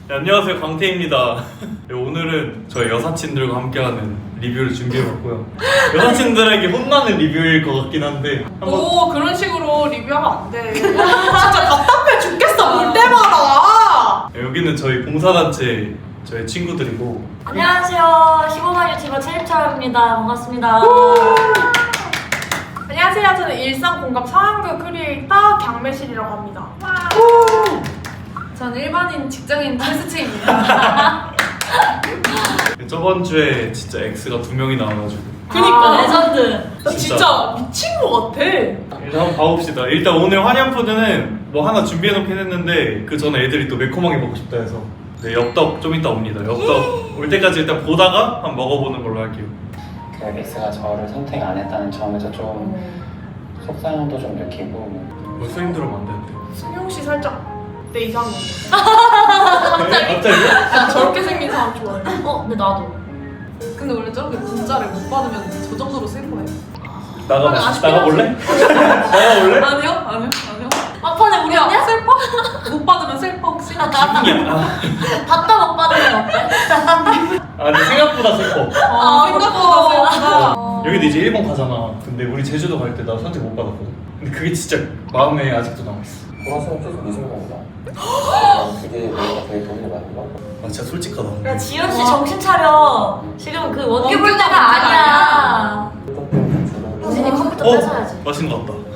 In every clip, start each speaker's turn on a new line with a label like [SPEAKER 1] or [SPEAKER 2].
[SPEAKER 1] 네, 안녕하세요, 광태입니다. 네, 오늘은 저희 여사친들과 함께하는 리뷰를 준비해봤고요. 여사친들에게 혼나는 리뷰일 것 같긴 한데
[SPEAKER 2] 오, 그런 식으로 리뷰하면 안 돼. 진짜 답답해 죽겠어, 볼 때마다.
[SPEAKER 1] 네, 여기는 저희 봉사단체 저희 친구들이고.
[SPEAKER 3] 안녕하세요. 15만 유튜버 최립철입니다. 반갑습니다.
[SPEAKER 2] 안녕하세요. 저는 일상공감 상황극 크리에이터 경매실이라고 합니다. 저는 일반인 직장인 최수채입니다.
[SPEAKER 1] 저번 주에 진짜 X가 2명이 나와가지고.
[SPEAKER 2] 그니까.
[SPEAKER 3] 레전드.
[SPEAKER 2] 나 진짜 미친 것 같아.
[SPEAKER 1] 일단 한번 봐봅시다. 일단 오늘 화년푸드는 뭐 하나 준비해놓긴 했는데 그 전에 애들이 또 매콤하게 먹고 싶다 해서 네, 엽떡 좀 이따 옵니다. 엽떡 올 때까지 일단 보다가 한번 먹어보는 걸로 할게요.
[SPEAKER 4] 그 X가 저를 선택 안 했다는 점에서 좀 속상함도 좀 느끼고
[SPEAKER 1] 벌써 힘들면 안 되는데.
[SPEAKER 2] 승용 씨 살짝 내 이상형.
[SPEAKER 1] 갑자기?
[SPEAKER 2] 난 저렇게 생긴 사람 좋아해.
[SPEAKER 3] 근데 나도.
[SPEAKER 2] 근데 원래 저렇게 문자를 못 받으면 저 정도로 슬퍼해.
[SPEAKER 1] 나가볼래? 나가볼래?
[SPEAKER 2] 아니요.
[SPEAKER 3] 막판에 우리
[SPEAKER 2] 야,
[SPEAKER 3] 언니야?
[SPEAKER 2] 슬퍼? 못 받으면 슬퍼 혹시?
[SPEAKER 3] 받다 못 받으면 어때?
[SPEAKER 1] 아니 생각보다 슬퍼.
[SPEAKER 2] 생각보다 슬프다.
[SPEAKER 1] 여기도 이제 일본 가잖아. 근데 우리 제주도 갈 때 나 선택 못 받았거든. 근데 그게 진짜 마음에 아직도 남아있어.
[SPEAKER 4] 돌아서면 계속 네 생각이다. 그게 내가 되게 돈이 많은 거?
[SPEAKER 1] 아 진짜 솔직하다.
[SPEAKER 3] 야, 지현 씨 정신 차려. 지금 그 원기 볼 때가 아니야. 우진이 컴퓨터 뺏어야지.
[SPEAKER 1] 맛있는 것 같다.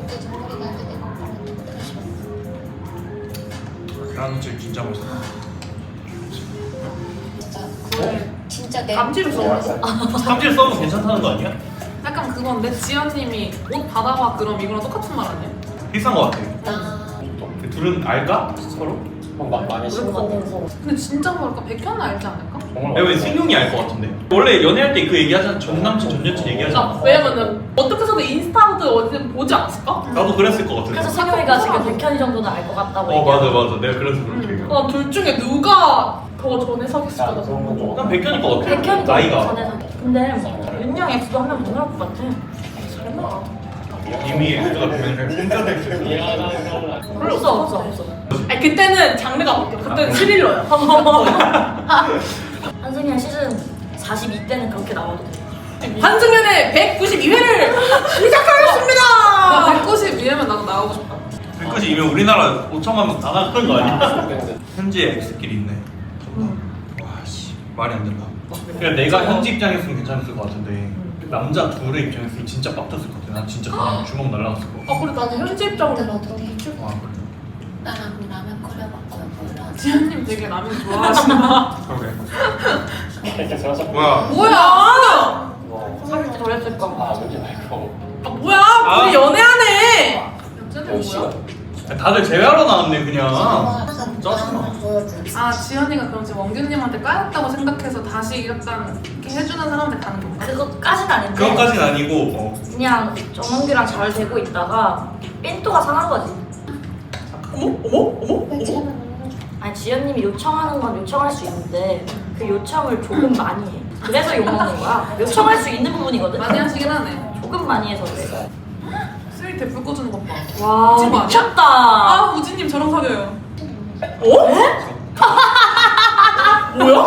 [SPEAKER 1] 계란찜 진짜 맛있다.
[SPEAKER 5] 진짜 내
[SPEAKER 2] 감지를 써.
[SPEAKER 1] 삼질 써도 괜찮다는 거 아니야?
[SPEAKER 2] 약간 그건데 지연님이 옷 받아봐 그럼 이거랑 똑같은 말 아니야?
[SPEAKER 1] 비싼 거 같아. 둘은 알까? 서로?
[SPEAKER 4] 많이 신것 같아.
[SPEAKER 2] 근데 진짜 모를까? 백현은 알지 않을까?
[SPEAKER 1] 왜 승용이 알 것 같은데. 원래 연애할 때 그 얘기하잖아. 전 남친 전 여친 얘기하잖아.
[SPEAKER 2] 왜냐면은 어떻게 해서도 인스타든 어디든 보지 않았을까?
[SPEAKER 1] 나도 그랬을 것 같은데.
[SPEAKER 3] 그래서 성현이가 지금 백현이 정도는 알 것 같다고
[SPEAKER 1] 맞아. 내가 그래서 그렇게 얘기해.
[SPEAKER 2] 둘 중에 누가 더 전에 사귀었을까?
[SPEAKER 4] 나 그런 건 좀.
[SPEAKER 1] 난 백현일 것 같아.
[SPEAKER 3] 백현이
[SPEAKER 1] 나이가.
[SPEAKER 3] 전에 근데 윤영 X도 한 명 더 나올 것 같아. 설마.
[SPEAKER 1] 이미 X가 변을
[SPEAKER 3] 없어.
[SPEAKER 2] 아니 그때는 장르가 바뀌어. 그때는 스릴러야.
[SPEAKER 3] 한승현 시즌 42때는 그렇게 나와도 돼.
[SPEAKER 2] 한승연의 192회를 시작하겠습니다. 192회면 나도 나오고 싶다.
[SPEAKER 1] 그것이 이미 우리나라 5천만 명 다 나간 거 아니야? 현지에 X끼리 있네. 와씨 말이 안 된다. 그냥 내가 현지 입장이었으면 괜찮았을 것 같은데 남자 둘의 입장이었으면 진짜 빡쳤을 것 같아. 난 진짜 그냥 주먹 날라갔을 것 같아.
[SPEAKER 2] 그래 나는 현지 입장으로
[SPEAKER 5] 들어도
[SPEAKER 1] 와 그래.
[SPEAKER 5] 나랑 라면 끓여봤고요. 몰라.
[SPEAKER 2] 지현님 되게 라면 좋아하시나?
[SPEAKER 1] 그러게.
[SPEAKER 4] 이렇게 들어서
[SPEAKER 1] 뭐야?
[SPEAKER 2] 뭐야?
[SPEAKER 3] 사귈 때 그랬을 거.
[SPEAKER 4] 아버지 말고
[SPEAKER 2] 뭐야? 둘이 연애하네. 연애는
[SPEAKER 4] 열시가
[SPEAKER 2] 뭐야?
[SPEAKER 1] 다들 제외하러 나왔네 그냥.
[SPEAKER 5] 짜증나. 보여줄 수 있어.
[SPEAKER 2] 지현이가 그럼 지금 원균님한테 까였다고 생각해서 다시 약간 이렇게 해주는 사람한테 가는 건가?
[SPEAKER 3] 그것까진 아닌데.
[SPEAKER 1] 그것까진 아니고
[SPEAKER 3] 그냥 정원규랑 잘 되고 있다가 삔또가 상한 거지.
[SPEAKER 2] 어머?
[SPEAKER 5] 왜냐면
[SPEAKER 3] 아니 지연님이 요청하는 건 요청할 수 있는데 그 요청을 조금 많이 해. 그래서 욕먹는 거야. 요청할 수 있는 부분이거든.
[SPEAKER 2] 많이 하시긴 하네.
[SPEAKER 3] 조금 많이 해서 그래.
[SPEAKER 2] 쓰리 대불 꽂는 것 봐.
[SPEAKER 3] 와
[SPEAKER 2] 미친 거 아니야?
[SPEAKER 3] 미쳤다.
[SPEAKER 2] 우진님 저랑 사겨요. 뭐야?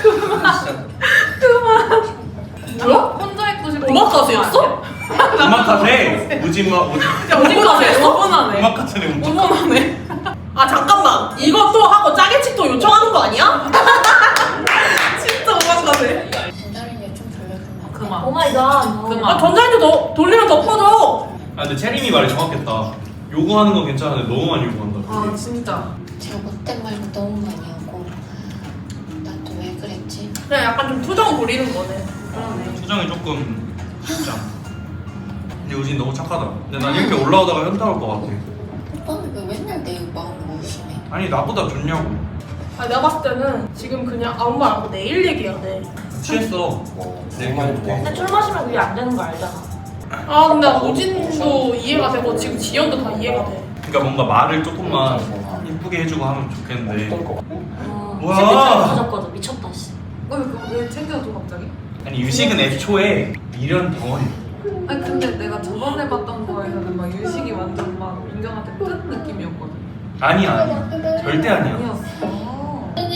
[SPEAKER 2] 뭐야? 혼자 있고 싶어. 오마카세였어?
[SPEAKER 1] 음악카세 우진마
[SPEAKER 2] 오마카세였어? 어머나네.
[SPEAKER 1] 음악카세는
[SPEAKER 2] 어머나네. 아 잠깐만. 이것도 하고 짜게치도 요청하는 거 아니야? 진짜 오마카세.
[SPEAKER 5] 전달인게 좀 돌려주면
[SPEAKER 2] 그만.
[SPEAKER 3] 오마이갓.
[SPEAKER 2] 그만. 전자레인지 더 돌리면 더 퍼져.
[SPEAKER 1] 아 근데 채림이 말이 정확했다. 요구하는 건 괜찮은데 너무 많이 요구한다.
[SPEAKER 2] 아 진짜.
[SPEAKER 5] 제가 못된 말도 너무 많이 하고 난 또 왜 그랬지?
[SPEAKER 2] 그냥 약간 좀 투정 부리는 거네. 그러네.
[SPEAKER 1] 수정이 조금 진짜. 근데 우진 너무 착하다. 근데 난 이렇게 올라오다가 현타 올 것 같아.
[SPEAKER 5] 오빠는 왜 맨날 내 마음을 의심해?
[SPEAKER 1] 아니 나보다 좋냐고.
[SPEAKER 2] 아 내가 봤을 때는 지금 그냥 아무 말 안 하고 내일 얘기해야 돼.
[SPEAKER 1] 취했어.
[SPEAKER 4] 뭐
[SPEAKER 1] 네,
[SPEAKER 4] 정말
[SPEAKER 3] 근데 술 마시면 그게 안 되는 거 알잖아.
[SPEAKER 2] 아 근데 우진도 이해가 되고 지금 지연도 다 이해가 돼.
[SPEAKER 1] 그러니까 뭔가 말을 조금만 이쁘게 해주고 하면 좋겠는데.
[SPEAKER 4] 어떨 것 같아?
[SPEAKER 1] 뭐야?
[SPEAKER 3] 챙겨줘야 터졌거든. 미쳤다 씨.
[SPEAKER 2] 왜 챙겨줘 갑자기?
[SPEAKER 1] 아니 유식은 애초에 미련 덩어리.
[SPEAKER 2] 아니 근데 내가 저번에 봤던 거에서는 막 유식이 완전 막 민경한테 뜬 느낌이었거든.
[SPEAKER 1] 아니야. 절대 아니야.
[SPEAKER 2] 아니었어.
[SPEAKER 5] 근데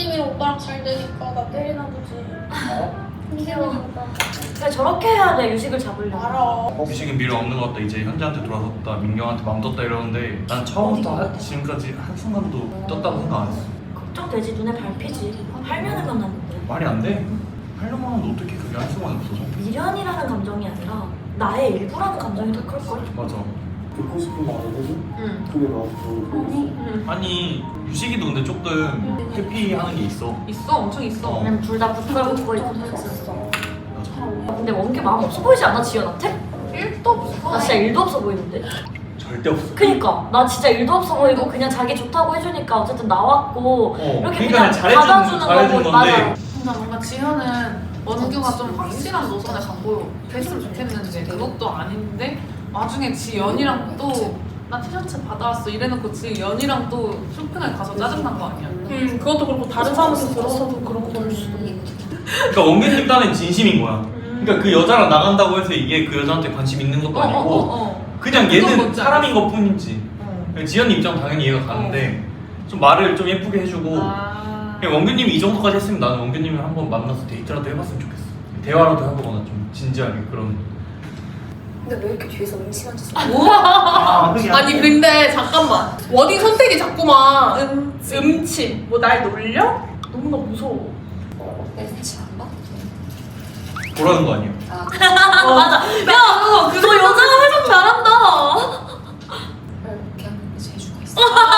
[SPEAKER 5] 오빠랑 잘 되니까 나 때리나 보지.
[SPEAKER 3] 귀여워. 그래 저렇게 해야 돼 유식을 잡으려면.
[SPEAKER 2] 알아.
[SPEAKER 1] 유식이 미련 없는 것 같다. 이제 현지한테 돌아섰다. 민경한테 맘 떴다 이러는데 난 처음부터 지금까지 한순간도 떴다고 생각 안 했어.
[SPEAKER 3] 걱정되지 눈에 밟히지. 8년을 만났는데.
[SPEAKER 1] 말이 안 돼. 8년만 하면 어떻게 그게 한순간에 없어져?
[SPEAKER 3] 미련이라는 감정이 아니라 나의 일부라는 감정이 더 클걸?
[SPEAKER 1] 맞아.
[SPEAKER 6] 듣고 싶은 말을 해줘?
[SPEAKER 2] 응.
[SPEAKER 6] 그게 너무
[SPEAKER 1] 아니 유식이도 근데 조금 회피하는 게 있어.
[SPEAKER 2] 있어, 엄청 있어.
[SPEAKER 1] 어.
[SPEAKER 3] 왜냐면 둘 다 부끄럽고 있고 했었어.
[SPEAKER 1] 맞아.
[SPEAKER 3] 근데 원규 마음 없어 보이지 않아 지연한테?
[SPEAKER 2] 1도 없어.
[SPEAKER 3] 나 진짜 1도 없어 보이는데?
[SPEAKER 1] 절대 없어.
[SPEAKER 3] 그니까 나 진짜 1도 없어 보이고 그냥 자기 좋다고 해주니까 어쨌든 나왔고 이렇게
[SPEAKER 1] 그러니까
[SPEAKER 3] 그냥
[SPEAKER 1] 잘해주는
[SPEAKER 3] 받아주는 거고
[SPEAKER 1] 건데.
[SPEAKER 3] 맞아.
[SPEAKER 2] 근데 뭔가 지현은 원규가 좀 확실한 노선에 갖고 됐으면 좋겠는데 그것도 아닌데 나중에 지연이랑 또 나 티셔츠 받아왔어 이래놓고 지연이랑 또 쇼핑을 가서 짜증난 거 아니야? 그것도 그렇고 다른 사람한테 들어서도 그렇고 그럴 수도 있고.
[SPEAKER 1] 그러니까 원균님 딴엔 진심인 거야. 그러니까 그 여자랑 나간다고 해서 이게 그 여자한테 관심 있는 것도 아니고 그냥
[SPEAKER 2] 그건
[SPEAKER 1] 얘는
[SPEAKER 2] 뭔지
[SPEAKER 1] 사람인 것 뿐이지. 지연 입장 당연히 이해가 가는데 좀 말을 좀 예쁘게 해주고 그냥 원균님이 이 정도까지 했으면 나는 원균님을 한번 만나서 데이트라도 해봤으면 좋겠어. 대화라도 해보거나 좀 진지하게 그런.
[SPEAKER 5] 근데 왜 이렇게 뒤에서 음침한 짓을
[SPEAKER 2] 아니 근데 잠깐만 워딩 선택이 자꾸만 음침 뭐 날 놀려? 너무나 무서워.
[SPEAKER 5] 내 눈치 안 봐?
[SPEAKER 1] 보라는 거 아니야?
[SPEAKER 5] 아,
[SPEAKER 3] 맞아. 야, 너 여자가 해석 잘한다.
[SPEAKER 5] 이렇게 하는 게 재주가 있어.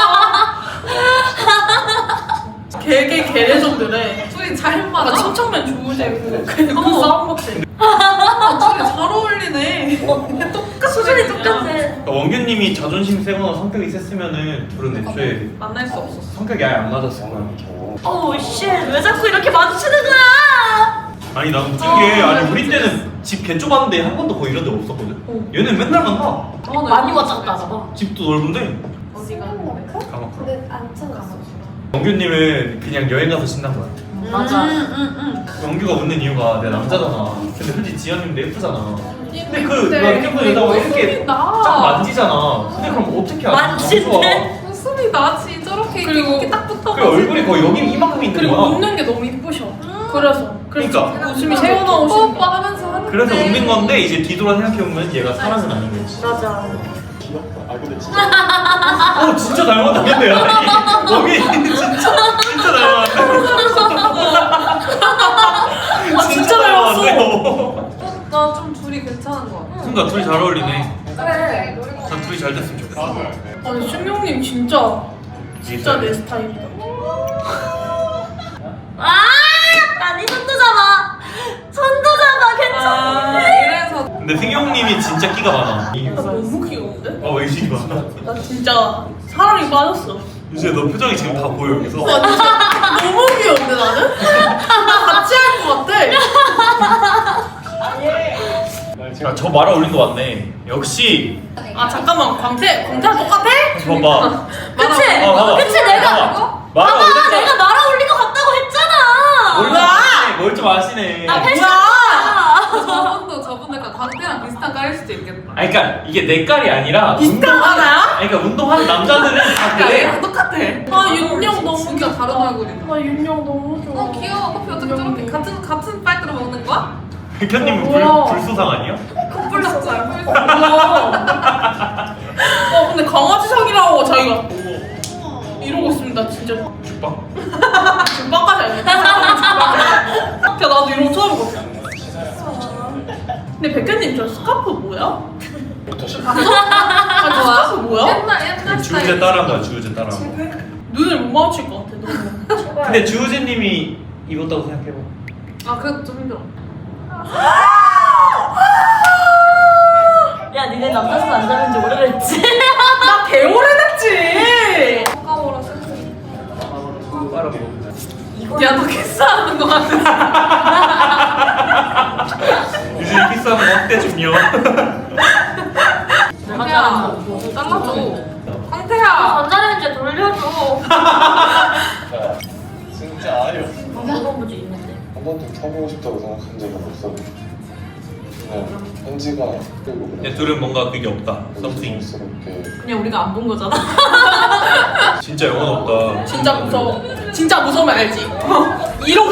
[SPEAKER 2] 개개 개레전드래. 둘이 잘 맞아. 침착맨 좋으시고 그 싸움 같아. 둘이 잘 어울리네.
[SPEAKER 3] 수준이 똑같아.
[SPEAKER 1] 그러니까 원균님이 자존심 세거나 성격이 셌으면은 둘은 애초에
[SPEAKER 2] 만날 수 없었어.
[SPEAKER 1] 성격이 아예 안 맞았을 거야.
[SPEAKER 3] 어우 씨, 왜 자꾸 이렇게 마주치는 거야?
[SPEAKER 1] 아니 난 웃긴 게 아니 우리 때는 집 개 좁았는데 한 번도 거의 이런 데 없었거든. 얘는 맨날 만나.
[SPEAKER 3] 많이 왔다 갔다 봐.
[SPEAKER 1] 집도 넓은데
[SPEAKER 2] 어디가?
[SPEAKER 1] 가만히.
[SPEAKER 5] 근데 안 찾았어.
[SPEAKER 1] 원규님은 그냥 여행 가서 신난 거야.
[SPEAKER 3] 맞아.
[SPEAKER 1] 원규가 웃는 이유가 내가 남자잖아. 근데 솔직히 지연님도 예쁘잖아. 근데 그
[SPEAKER 2] 근데
[SPEAKER 1] 예쁜 여자가 이렇게 쫙 만지잖아. 근데 그럼 어떻게 알아?
[SPEAKER 3] 만지네?
[SPEAKER 2] 웃음이 나지 저렇게 이렇게 딱 붙어.
[SPEAKER 1] 그 얼굴이 거의 여기 이만큼 있는
[SPEAKER 2] 그리고
[SPEAKER 1] 거야.
[SPEAKER 2] 웃는 게 너무 이쁘셔. 그래서
[SPEAKER 1] 그러니까.
[SPEAKER 2] 웃음이 새어나오시는 오빠 하면서 하는데.
[SPEAKER 1] 그래서 웃는 건데 이제 뒤돌아 생각해보면 얘가 사랑은 아닌 거지.
[SPEAKER 3] 맞아.
[SPEAKER 6] 귀엽다. 아 근데 진짜
[SPEAKER 1] 진짜 닮았다는데 아니 여기 진짜 닮았다.
[SPEAKER 2] 진짜
[SPEAKER 1] 닮았어.
[SPEAKER 2] 나 좀 둘이 괜찮은 거 같아.
[SPEAKER 1] 그러니까 둘이 잘 어울리네.
[SPEAKER 3] 그래.
[SPEAKER 1] 난 둘이 잘 됐으면 좋겠어.
[SPEAKER 2] 아니 순용님 진짜 내 스타일이다.
[SPEAKER 3] 아, 아니 손도 잡아. 손도 잡아. 괜찮아.
[SPEAKER 2] 이래서
[SPEAKER 1] 근데 승용님이 진짜 끼가 많아.
[SPEAKER 2] 나 너무 귀여운데?
[SPEAKER 1] 의식이 많아.
[SPEAKER 2] 나 진짜 사랑이 빠졌어.
[SPEAKER 1] 이제 너 표정이 지금 다 보여 여기서.
[SPEAKER 2] 와 진짜 너무 귀여운데 나는? 나 같이 할 것 같아.
[SPEAKER 1] 저 말아 올린 거 맞네. 역시.
[SPEAKER 2] 아 잠깐만 광태랑 똑같아?
[SPEAKER 1] 봐봐.
[SPEAKER 3] 그치?
[SPEAKER 1] 봐봐.
[SPEAKER 3] 그치 내가
[SPEAKER 1] 말아
[SPEAKER 3] 봐봐
[SPEAKER 1] 올렸잖아.
[SPEAKER 3] 내가 말아 올린 것 같다고 했잖아.
[SPEAKER 1] 뭘 좀 아시네.
[SPEAKER 3] 나 패션.
[SPEAKER 2] 저분도 약간 광태랑 비슷한 깔일 수도 있겠다.
[SPEAKER 1] 아니 그러니까 이게 내 깔이 아니라
[SPEAKER 2] 비슷한 거야?
[SPEAKER 1] 아니 그러니까 운동하는 남자들은 다 그래.
[SPEAKER 2] 얘랑 똑같아. 아 윤영 너무
[SPEAKER 5] 진짜
[SPEAKER 2] 귀엽다.
[SPEAKER 5] 다른 얼굴이다.
[SPEAKER 2] 나 윤영 너무 좋아.
[SPEAKER 5] 귀여워. 커피 어떻게 저렇게 같은 빨대로 먹는 거야?
[SPEAKER 1] 백현님은
[SPEAKER 2] 뭐야?
[SPEAKER 1] 불소상 아니야?
[SPEAKER 2] 콧불났어요. 근데 강아지상이라고 자기가 이러고 있습니다 진짜.
[SPEAKER 1] 죽방?
[SPEAKER 2] 중반까지 알겠다. 야 나도 이런 거 처음 봤어. 근데 백현님 저 스카프 뭐야? 아 스카프 뭐야?
[SPEAKER 5] 옛날
[SPEAKER 1] 주우재 따라한 거야 주우재 따라한 거.
[SPEAKER 2] 눈을 못 마주칠 것 같아 너무.
[SPEAKER 1] 근데 주우재님이 입었다고 생각해봐.
[SPEAKER 2] 아 그래도 좀 힘들어.
[SPEAKER 3] 야 니네 남자 손 안 잡은 지 오래됐지?
[SPEAKER 2] 나 개오래됐지.
[SPEAKER 5] 아까워라 슬프게.
[SPEAKER 1] 빨아먹어.
[SPEAKER 2] 야너 키스하는 거 같아.
[SPEAKER 1] 유진이 키스하면 어때 중요?
[SPEAKER 3] 내가 잘한 거.
[SPEAKER 2] 잘라줘. 황태야.
[SPEAKER 3] 전자레인지에 돌려줘.
[SPEAKER 6] 진짜 아니요.
[SPEAKER 3] 방법부지 있는데.
[SPEAKER 6] 한 번도 켜보고 싶다고 생각한 적은 없었는데 그냥 현지가 끌고
[SPEAKER 1] 근데 둘은 뭔가 그게 없다. 썸씽.
[SPEAKER 6] 스럽게
[SPEAKER 3] 그냥 우리가 안 본 거잖아.
[SPEAKER 1] 진짜 영혼 없다.
[SPEAKER 2] 진짜 무서워.
[SPEAKER 7] 진짜 무서우면 알지? 이러고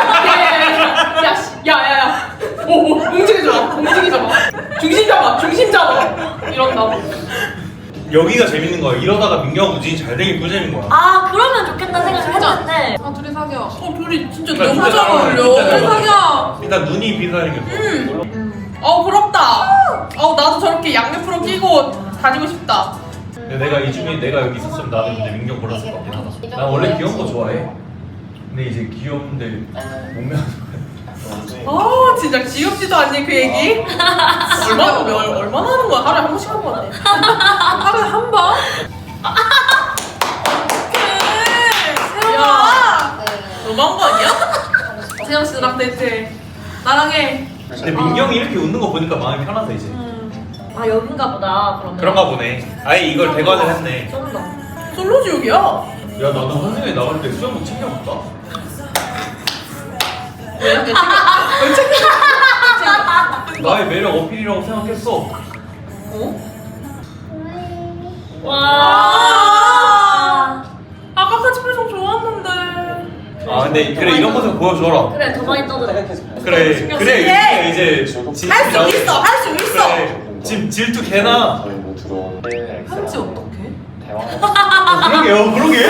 [SPEAKER 7] 야야야야 오 움직이지 마 중심 잡아 이런다고.
[SPEAKER 1] 여기가 재밌는 거야. 이러다가 민경 우진이 잘 되긴 꿀잼인 거야.
[SPEAKER 3] 아 그러면 좋겠다 생각을 했는데
[SPEAKER 2] 아 둘이 사겨.
[SPEAKER 7] 둘이 진짜
[SPEAKER 1] 그러니까
[SPEAKER 7] 너무 잘 어울려.
[SPEAKER 1] 진짜 잘
[SPEAKER 2] 둘이
[SPEAKER 1] 어울려.
[SPEAKER 2] 사겨.
[SPEAKER 1] 일단 눈이 비슷하게.
[SPEAKER 7] 부럽다. 나도 저렇게 양옆으로 끼고 다니고 싶다.
[SPEAKER 1] 근데 내가 이 중에 내가 여기 있었으면 나는 근데 민경 골랐을 것 같긴 하다. 난 원래 귀여운 거 좋아해. 근데 이제 귀여운데 몸매가
[SPEAKER 7] 진짜 귀엽지도 않니 그 얘기? 얼마나 하는 거야? 하루에 한 번씩 하는 거 같아.
[SPEAKER 2] 하루에 한 번?
[SPEAKER 7] 야,
[SPEAKER 5] 네.
[SPEAKER 7] 너무한 거 아니야?
[SPEAKER 2] 세영 씨랑 데이트. 나랑 해.
[SPEAKER 1] 근데 민경이 이렇게 웃는 거 보니까 마음이 편하다 이제.
[SPEAKER 3] 아 여긴가 보다 그러면.
[SPEAKER 1] 그런가 보네. 아예 이걸 대관을 했네.
[SPEAKER 3] 쩐다.
[SPEAKER 7] 솔로 지옥이야.
[SPEAKER 1] 야 나는 환승에 나갈 때 수영복 챙겨볼까?
[SPEAKER 7] 왜
[SPEAKER 1] 나의 매력 어필이라고 생각했어.
[SPEAKER 3] 와.
[SPEAKER 7] 아까 같이 표정 좋았는데.
[SPEAKER 1] 아 근데 그래 이런 모습 보여줘라.
[SPEAKER 3] 그래 더 많이 떠들어.
[SPEAKER 1] 그래
[SPEAKER 3] 신경
[SPEAKER 1] 그래 이제 진심이
[SPEAKER 7] 할 수
[SPEAKER 1] 나오지.
[SPEAKER 7] 있어, 할 수 있어.
[SPEAKER 1] 그래 지금 질투 개나.
[SPEAKER 6] 저희 모두로
[SPEAKER 2] 편지 어떡해?
[SPEAKER 1] 그러게.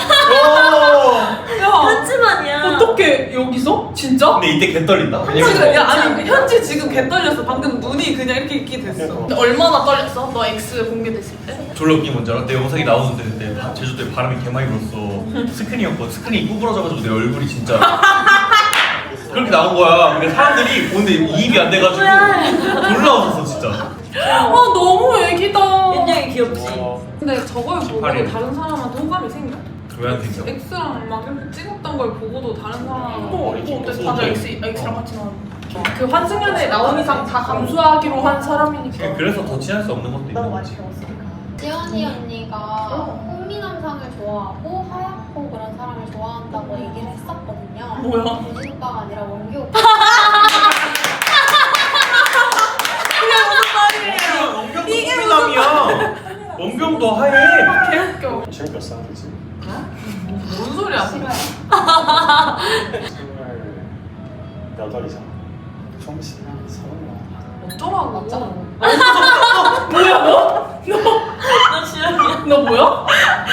[SPEAKER 2] 야.
[SPEAKER 3] 편지만이야.
[SPEAKER 7] 어떻게 여기서? 진짜?
[SPEAKER 1] 근데 이때 개 떨린다.
[SPEAKER 2] 지금 야 아니 현지 지금 개 떨렸어. 방금 눈이 그냥 이렇게 됐어.
[SPEAKER 7] 근데 얼마나 떨렸어? 너 X 공개됐을 때?
[SPEAKER 1] 졸라 웃긴 뭔지 알아? 내 영상이 나오는데 그때 제주도에 바람이 개 많이 불었어. 스크린이었거든. 스크린이 구부러져가지고 내 얼굴이 진짜 그렇게 나온 거야. 근데 사람들이 보는데 이입이 안 돼가지고 졸라 웃었어 진짜.
[SPEAKER 7] 너무 애기다.
[SPEAKER 3] 굉장히 귀엽지.
[SPEAKER 2] 근데 저걸 보고
[SPEAKER 1] 18일.
[SPEAKER 2] 다른 사람한테 호감이 생겨?
[SPEAKER 1] 왜 안 생겨?
[SPEAKER 2] X랑 막 이렇게 찍었던 걸 보고도 다른 사람.
[SPEAKER 7] 근데 다들 X랑 같이 나왔는데. 그 환승연에 나온 이상 다 감수하기로 한 사람이니까.
[SPEAKER 1] 그래서 더 친할 수 없는 것도 있는 거지.
[SPEAKER 5] 지연이 언니가 꽃미남상을 좋아하고 하얗고 그런 사람을 좋아한다고 얘기를 했었거든요.
[SPEAKER 7] 뭐야?
[SPEAKER 5] 우진 오빠가 아니라 원규 오빠.
[SPEAKER 1] 이게 미남이야. 원경도 하얘.
[SPEAKER 7] 개웃겨.
[SPEAKER 6] 지금 몇 살이지?
[SPEAKER 2] 뭔 소리야?
[SPEAKER 6] 28이잖아. 총시간 30만.
[SPEAKER 2] 어쩌라고?
[SPEAKER 3] 나 지연이야.
[SPEAKER 7] 너 뭐야?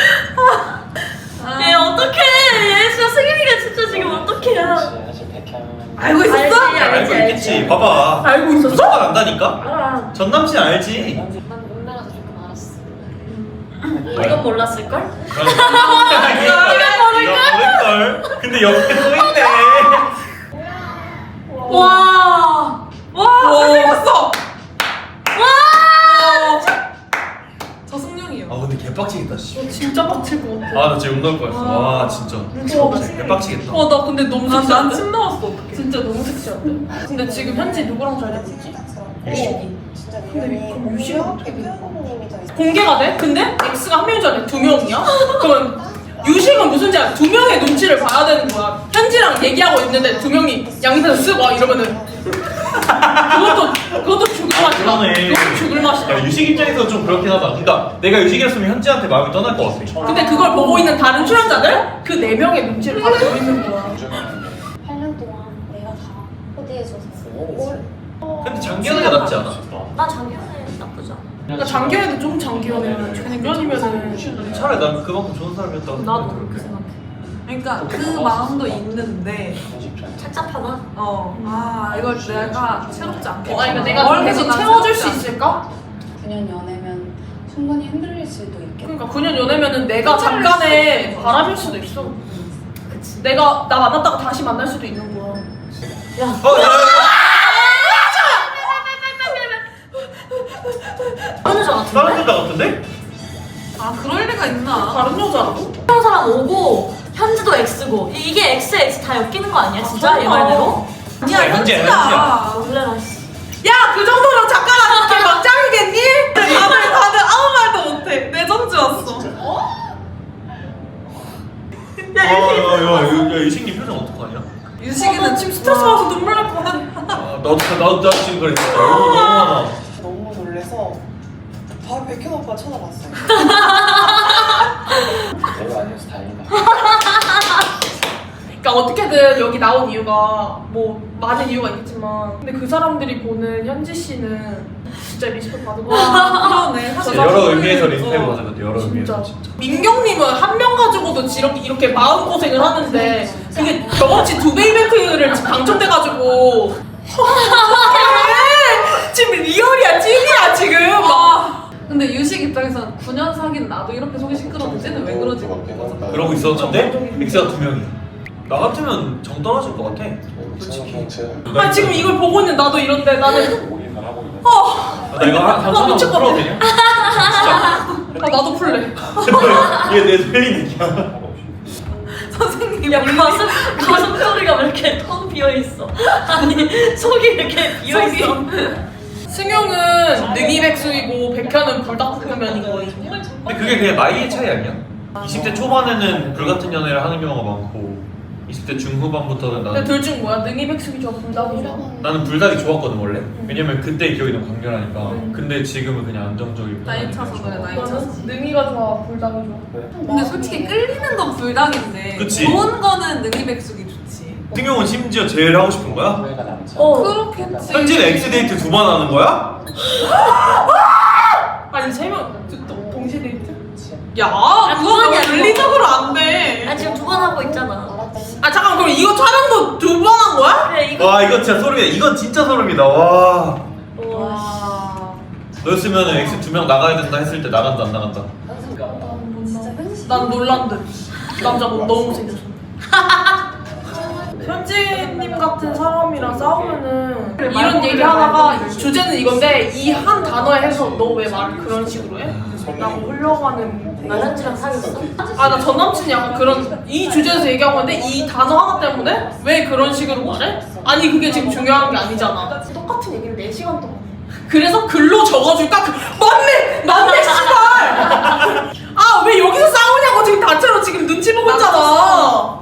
[SPEAKER 3] 얘 어떡해. 얘 진짜 승윤이가 진짜 지금 어떡해요.
[SPEAKER 4] 사실 백현
[SPEAKER 2] 알고 있었어?
[SPEAKER 3] 알지,
[SPEAKER 1] 알고 있겠지. 봐봐.
[SPEAKER 7] 알고 있었어?
[SPEAKER 1] 무조건 안다니까?
[SPEAKER 3] 알아.
[SPEAKER 1] 전 남친 알지.
[SPEAKER 5] 난 운명에서 조금 알았어.
[SPEAKER 3] 이건 몰랐을걸?
[SPEAKER 1] 이거 모를걸. 근데 옆에 또 있네.
[SPEAKER 3] 와. 와.
[SPEAKER 7] 생겼어.
[SPEAKER 2] 저 승룡이요.
[SPEAKER 1] 아 근데 개빡치겠다 씨.
[SPEAKER 7] 진짜 빡칠 것 같아.
[SPEAKER 1] 나 진짜 운동할 거였어. 와 진짜. 개빡치겠다.
[SPEAKER 7] 나 근데 너무
[SPEAKER 2] 난
[SPEAKER 7] 섹시한데?
[SPEAKER 2] 침 나왔어 어떡해.
[SPEAKER 7] 진짜 너무 섹시한데? 근데 지금 현지 누구랑 잘 되고 있지?
[SPEAKER 1] 유식이.
[SPEAKER 7] 근데 그럼 유식은 어떻게 돼? 공개가 돼? 근데 X가 한 명인 줄 알았는데 2명이야? 그러면 유식은 무슨 죄야? 2명의 눈치를 봐야 되는 거야. 현지랑 얘기하고 있는데 2명이 양옆에서 쓰고 와 이러면은 그것도 죽을 맛이다.
[SPEAKER 1] 그러네.
[SPEAKER 7] 그것도 죽을 맛이다.
[SPEAKER 1] 야 유식 입장에서 좀 그렇긴 하다. 그러니까 내가 유식이었으면 현지한테 마음이 떠날 것 같아.
[SPEAKER 7] 근데 그걸 보고 있는 다른 출연자들 그 4명의 눈치를 다 보고 있는 거야.
[SPEAKER 5] 8년 동안 내가 다 코디해줘서
[SPEAKER 1] 근데 장기현이가 낫지 않아?
[SPEAKER 3] 나 작년에 나쁘지 않아.
[SPEAKER 7] 그러니까 장기현은 좀 장기현이면 중년이면은
[SPEAKER 1] 차라리 난 그만큼 좋은 사람이었다고
[SPEAKER 3] 나도
[SPEAKER 1] 생각해.
[SPEAKER 3] 그렇게 생각해.
[SPEAKER 2] 그러니까 그 마음도 있는데
[SPEAKER 3] 착잡하다.
[SPEAKER 2] 이걸 내가 채롭지 않게.
[SPEAKER 7] 그러니까 내가 계속 채워줄 수 있을까?
[SPEAKER 5] 9년 연애면 충분히 흔들릴 수도 있겠다.
[SPEAKER 7] 그러니까 9년 연애면은 내가 잠깐의 바람일 수도 있어.
[SPEAKER 3] 그치.
[SPEAKER 7] 내가 나 만났다가 다시 만날 수도 있는 거야.
[SPEAKER 3] 야. 어느 저 같은데?
[SPEAKER 1] 다른 여자 같은데?
[SPEAKER 2] 그럴 리가 있나?
[SPEAKER 7] 다른 여자라고?
[SPEAKER 3] 한 사람 오고 현지도 X고 이게 X 다 엮이는 거 아니야 진짜 얘 말대로?
[SPEAKER 2] 아니야
[SPEAKER 1] 현지야,
[SPEAKER 2] 현지야.
[SPEAKER 3] 놀래라 씨.
[SPEAKER 2] 야 그 정도로 작가가 이렇게 막 짱이겠니? 다들 아무 말도 못해. 내 전주 왔어.
[SPEAKER 1] 야 유식님 표정 어떡하냐?
[SPEAKER 2] 유식이는 지금 스트레스 받아서 눈물 날 것 같아.
[SPEAKER 1] 나도 지금 그래 진짜 너무 많아.
[SPEAKER 8] 너무 놀래서 바로 백현 오빠 쳐다봤어요.
[SPEAKER 4] 내가 아니어서 다행이다.
[SPEAKER 7] 그러니까 어떻게든 여기 나온 이유가 뭐 많은 이유가 있겠지만 근데 그 사람들이 보는 현지 씨는 진짜 리스펙 받은 거 같아.
[SPEAKER 2] 그러네.
[SPEAKER 7] 저
[SPEAKER 1] 여러
[SPEAKER 7] 사람들이-
[SPEAKER 1] 의미에서 리스펙
[SPEAKER 7] 어,
[SPEAKER 1] 받은 것 같아. 여러 의미에서 진짜.
[SPEAKER 7] 민경님은 한 명 가지고도 이렇게 마음고생을 하는데 그게 경험치 2배 이벤트를 당첨돼가지고 어떡해. 지금 리얼이야 찐이야 지금 막.
[SPEAKER 2] 근데 유식 입장에서는 9년 사귄 나도 이렇게 속이 시끄러운데 쟤는 왜 그러지?
[SPEAKER 1] 그러고 있었는데 엑스가 2명이야. 나 같으면 정 떨어질 것 같아.
[SPEAKER 6] 솔직히
[SPEAKER 7] 아 지금 이걸 보고 있는 나도 이런데 나는
[SPEAKER 1] 나 이거 한 천원
[SPEAKER 7] 미칠 것
[SPEAKER 1] 풀어도
[SPEAKER 7] 같아.
[SPEAKER 1] 되냐? 진짜.
[SPEAKER 7] 아 나도 풀래.
[SPEAKER 1] 이게 내 틀린 얘기야.
[SPEAKER 2] 선생님
[SPEAKER 3] 야 가슴 소리가 왜 이렇게 텅 비어 있어? 아니 속이 이렇게 비어 있어.
[SPEAKER 7] 승용은 능이백수이고 백현은 불닭볶음면인 거예요.
[SPEAKER 1] 근데 그게 그냥 나이의 차이 아니야? 20대 초반에는 불같은 연애를 하는 경우가 많고 20대 중후반부터는
[SPEAKER 7] 근데
[SPEAKER 1] 나는
[SPEAKER 7] 둘 중 뭐야? 능이백숙이 좋아 불닭이 좋아?
[SPEAKER 1] 나는 불닭이 좋았거든 원래. 왜냐면 그때 기억이 너무 강렬하니까.
[SPEAKER 7] 음.
[SPEAKER 1] 근데 지금은 그냥 안정적이고.
[SPEAKER 2] 나이 차서 그래 나이 차서.
[SPEAKER 7] 너는 능이가 좋아 불닭이 좋아?
[SPEAKER 2] 근데 솔직히 끌리는 건 불닭인데
[SPEAKER 1] 그치.
[SPEAKER 2] 좋은 거는 능이백숙이 좋지.
[SPEAKER 1] 승용은 심지어 제일 하고 싶은 거야?
[SPEAKER 4] 후회가 남지
[SPEAKER 2] 그렇겠지.
[SPEAKER 1] 현지는 엑스데이트 2번 하는 거야?
[SPEAKER 7] 아니 세 명 동시 데이트? 야
[SPEAKER 3] 두
[SPEAKER 7] 그거
[SPEAKER 3] 번이 아니고.
[SPEAKER 7] 윤리적으로 안 돼.
[SPEAKER 3] 아 지금 2번 하고 있잖아.
[SPEAKER 7] 아 잠깐 그럼 이거 촬영도 2번 한 거야?
[SPEAKER 3] 그래 이거.
[SPEAKER 1] 와 이건 진짜 소름이다. 이건 진짜 소름이다. 와.
[SPEAKER 2] 와.
[SPEAKER 1] 너였으면 엑스 2명 나가야 된다 했을 때 나간다 안 나간다?
[SPEAKER 7] 난 놀란 듯. 남자 뭐 너무 못생겼어. 현지님 같은 사람이랑 싸우면은 이런 얘기 하다가 주제는 이건데 이 한 단어에 해서 너 왜 말을 그런 식으로 해? 라고 흘러가는
[SPEAKER 3] 나 현지랑 사귀었어?
[SPEAKER 7] 아 나 전 남친이 약간 그런 이 주제에서 얘기하고 있는데 이 단어 하나 때문에 왜 그런 식으로 말해? 아니 그게 지금 중요한 게 아니잖아. 똑같은 얘기를 4시간 동안 해. 그래서 글로 적어줄까? 맞네 씨발. 아 왜 여기서 싸우냐고 지금 다채로 지금 눈치 보고 있잖아.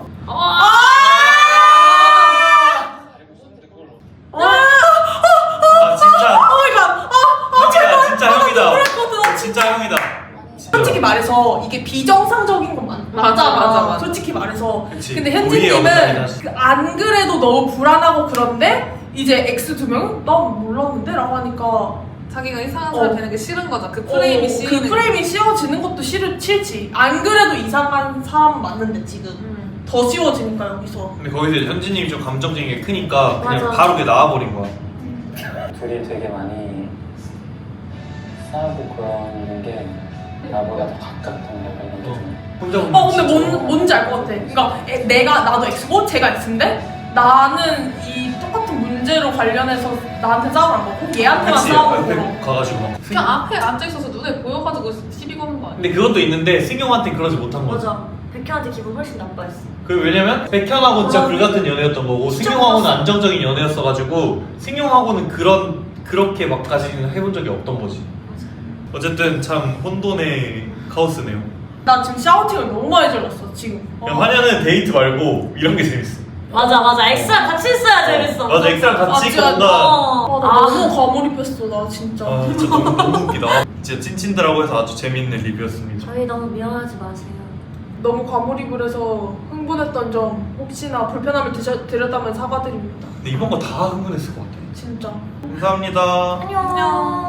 [SPEAKER 1] 아 진짜.
[SPEAKER 7] 오마이갓.
[SPEAKER 1] 진짜 형이다.
[SPEAKER 7] 그랬거든.
[SPEAKER 1] 진짜 형이다.
[SPEAKER 7] 솔직히 말해서 이게 비정상적인 건
[SPEAKER 2] 맞아.
[SPEAKER 7] 솔직히 말해서.
[SPEAKER 1] 그치.
[SPEAKER 7] 근데
[SPEAKER 1] 우리의
[SPEAKER 7] 현지님은
[SPEAKER 1] 영상이긴 하지.
[SPEAKER 7] 안 그래도 너무 불안하고 그런데 이제 X 2명은 난 몰랐는데 라고 하니까
[SPEAKER 2] 자기가 이상한 사람 되는 게 싫은 거죠. 그 프레임이 씌이는.
[SPEAKER 7] 그 프레임이 씌워지는 것도 싫지. 안 그래도 이상한 사람 맞는데 지금 더 씌워지니까 여기서.
[SPEAKER 1] 근데 거기서 이제 현진님이 좀 감정적인 게 크니까 그냥
[SPEAKER 3] 맞아.
[SPEAKER 1] 바로 그게 나와버린 거야.
[SPEAKER 4] 둘이 되게 많이 싸우고 그러는 게 나보다 더 가깝던 약간 이런 게 좀.
[SPEAKER 1] 혼자
[SPEAKER 7] 근데 뭔지 알 것 같아. 그러니까 나도 X고 제가 X인데 나는 이 똑같은 문제로 관련해서 나한테 싸움을 안 거고 얘한테만
[SPEAKER 1] 그치.
[SPEAKER 7] 싸우고.
[SPEAKER 1] 옆에 가가지고 막.
[SPEAKER 2] 그냥 앞에 앉아 있어서 눈에 보여가지고 시비 거는 거 아니야?
[SPEAKER 1] 근데 그것도 있는데 승용한테 그러지 못한 거지.
[SPEAKER 3] 맞아. 백현한테 기분 훨씬 나빠했어.
[SPEAKER 1] 그 왜냐면 백현하고는 진짜 불같은 연애였던 거고
[SPEAKER 3] 진짜
[SPEAKER 1] 승용하고는
[SPEAKER 3] 몰랐어.
[SPEAKER 1] 안정적인 연애였어가지고 승용하고는 그렇게 막까지는 해본 적이 없던 거지. 어쨌든 참 혼돈의 카오스네요.
[SPEAKER 7] 나 지금 샤우팅을 너무 많이 질렀어 지금.
[SPEAKER 1] 그냥 화냐는 데이트 말고 이런 게 재밌어.
[SPEAKER 3] 맞아. X랑 같이 있어야 재밌어.
[SPEAKER 1] 맞아 엑스랑 같이
[SPEAKER 7] 진짜.
[SPEAKER 1] 뭔가
[SPEAKER 7] 나 너무 과몰입했어 나 진짜.
[SPEAKER 1] 진짜 너무 웃기다. 진짜 찐친들하고 해서 아주 재밌는 리뷰였습니다.
[SPEAKER 3] 저희 너무 미워하지 마세요.
[SPEAKER 7] 너무 과몰입을 해서 흥분했던 점 혹시나 불편함을 드렸다면 사과드립니다.
[SPEAKER 1] 근데 이번 거 다 흥분했을 것 같아.
[SPEAKER 7] 진짜.
[SPEAKER 1] 감사합니다.
[SPEAKER 3] 안녕.